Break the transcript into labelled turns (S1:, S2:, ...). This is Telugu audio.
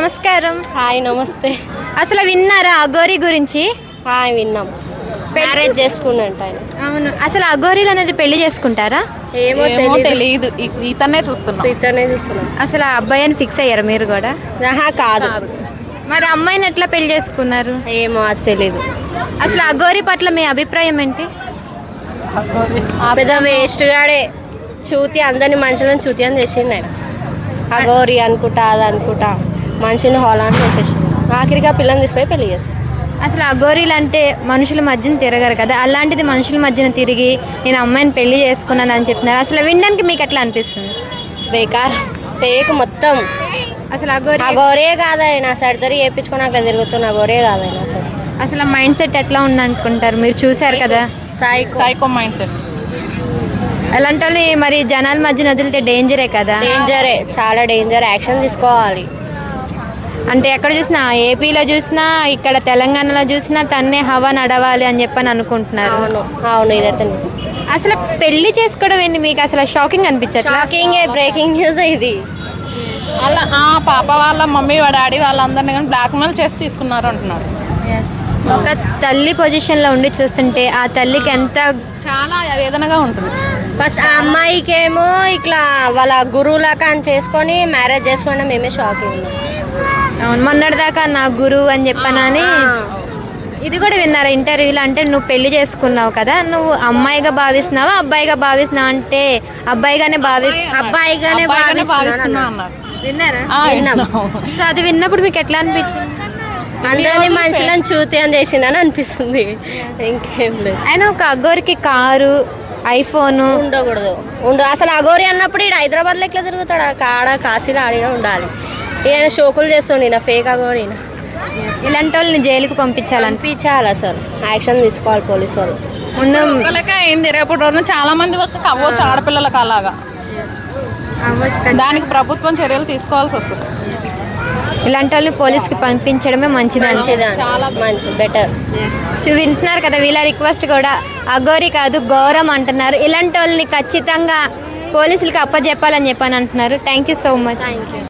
S1: నమస్కారం.
S2: హాయ్ నమస్తే.
S1: అసలు విన్నారా అఘోరి గురించి?
S2: హాయ్ విన్నాం. మ్యారేజ్ చేసుకున్నట్టు ఆయన.
S1: అవును. అసలు అఘోరీలు అనేది పెళ్లి చేసుకుంటారా?
S2: ఏమో
S3: తెలియదు. ఇతనే చూస్తున్నాం.
S1: అసలు ఆ అబ్బాయిని ఫిక్స్ అయ్యారు మీరు కూడా?
S2: కాదు.
S1: మరి అమ్మాయిని ఎట్లా పెళ్లి చేసుకున్నారు?
S2: ఏమో అది తెలీదు.
S1: అసలు అఘోరి పట్ల మీ అభిప్రాయం ఏంటి?
S2: పెద్ద వేస్ట్ గాడే. చూతి అందరిని మనుషులను చూతి అని చేసిండు ఆయన. అఘోరి అనుకుంటా అది అనుకుంటా మనిషిని హోలాన్ని చేసేసిండు. ఆఖరిగా పిల్లని తీసుకుపోయి పెళ్లి చేసుకున్నాడు.
S1: అసలు అఘోరీలు అంటే మనుషుల మధ్యన తిరగరు కదా, అలాంటిది మనుషుల మధ్యన తిరిగి నేను అమ్మాయిని పెళ్లి చేసుకున్నాను అని చెప్తున్నారు. అసలు వినడానికి మీకు ఎట్లా అనిపిస్తుంది?
S2: బేకార్, ఫేక్ మొత్తం.
S1: అసలు
S2: అఘోరే కాదాయన. సర్జరీ చేయించుకొని అట్లా తిరుగుతున్న అఘోరే కాదాయన.
S1: అసలు మైండ్ సెట్ ఎట్లా ఉందనుకుంటారు? మీరు చూసారు కదా,
S3: సైకో మైండ్ సెట్.
S1: అలాంటి వాళ్ళని మరి జనాల మధ్యన వదిలితే డేంజరే కదా?
S2: డేంజరే, చాలా డేంజర్. యాక్షన్ తీసుకోవాలి.
S1: అంటే ఎక్కడ చూసినా, ఏపీలో చూసినా ఇక్కడ తెలంగాణలో చూసినా తన్నే హవా నడవాలి అని చెప్పని అనుకుంటున్నారు.
S2: అవును ఇదైతే నిజం.
S1: అసలు పెళ్లి చేసుకోవడం ఏంది మీకు అసలు షాకింగ్ అనిపించట్లా?
S2: షాకింగ్, బ్రేకింగ్ న్యూస్ ఇది.
S3: అలా పాప వాళ్ళ మమ్మీ డాడీ వాళ్ళందరినీ కానీ బ్లాక్మెయిల్ చేసి తీసుకున్నారు అంటున్నారు.
S1: ఒక తల్లి పొజిషన్లో ఉండి చూస్తుంటే ఆ తల్లికి ఎంత
S3: చాలా వేదనగా ఉంటుంది.
S2: ఫస్ట్ ఆ అమ్మాయికేమో ఇట్లా వాళ్ళ గురువులాగా అని చేసుకొని మ్యారేజ్ చేసుకోవడం మేమే షాకింగ్.
S1: అవును, మొన్నటిదాకా నా గురువు అని చెప్పానని. ఇది కూడా విన్నారా ఇంటర్వ్యూలో? అంటే నువ్వు పెళ్లి చేసుకున్నావు కదా, నువ్వు అమ్మాయిగా భావిస్తున్నావా అబ్బాయిగా భావిస్తున్నావు అంటే అబ్బాయిగానే
S2: అబ్బాయిగానే
S3: భావిస్తున్నా అన్నారు.
S1: విన్నారా? సో అది విన్నప్పుడు మీకు ఎట్లా అనిపించింది?
S2: అందరినీ మనుషులను చూతి అని చేసిందని అనిపిస్తుంది. ఇంకేం లేదు.
S1: ఆయన ఒక అఘోరికి కారు, ఐఫోన్
S2: ఉండకూడదు. అసలు అఘోరి అన్నప్పుడు ఇక్కడ హైదరాబాద్లో ఎట్లా తిరుగుతాడు? కాడ కాశీలో ఆడినా ఉండాలి. ఈయన షోకులు చేస్తుండే, ఈయన ఫేక్ అఘోరి.
S1: ఇలాంటి వాళ్ళని జైలుకి పంపించాలి.
S2: అసలు యాక్షన్ తీసుకోవాలి పోలీసు వాళ్ళు.
S1: ముందు
S3: అయింది. రేపటి రోజున చాలా మంది వరకు అవ్వచ్చు ఆడపిల్లలకు అలాగా. దానికి ప్రభుత్వం చర్యలు తీసుకోవాల్సి వస్తుంది.
S1: ఇలాంటి వాళ్ళని పోలీస్కి పంపించడమే మంచిది.
S2: చాలా మంచిది, బెటర్.
S1: వింటున్నారు కదా, వీళ్ళ రిక్వెస్ట్ కూడా అఘోరి కాదు ఘోరం అంటున్నారు. ఇలాంటి వాళ్ళని ఖచ్చితంగా పోలీసులకి అప్పచెప్పాలని చెప్పని అంటున్నారు. Thank you so much.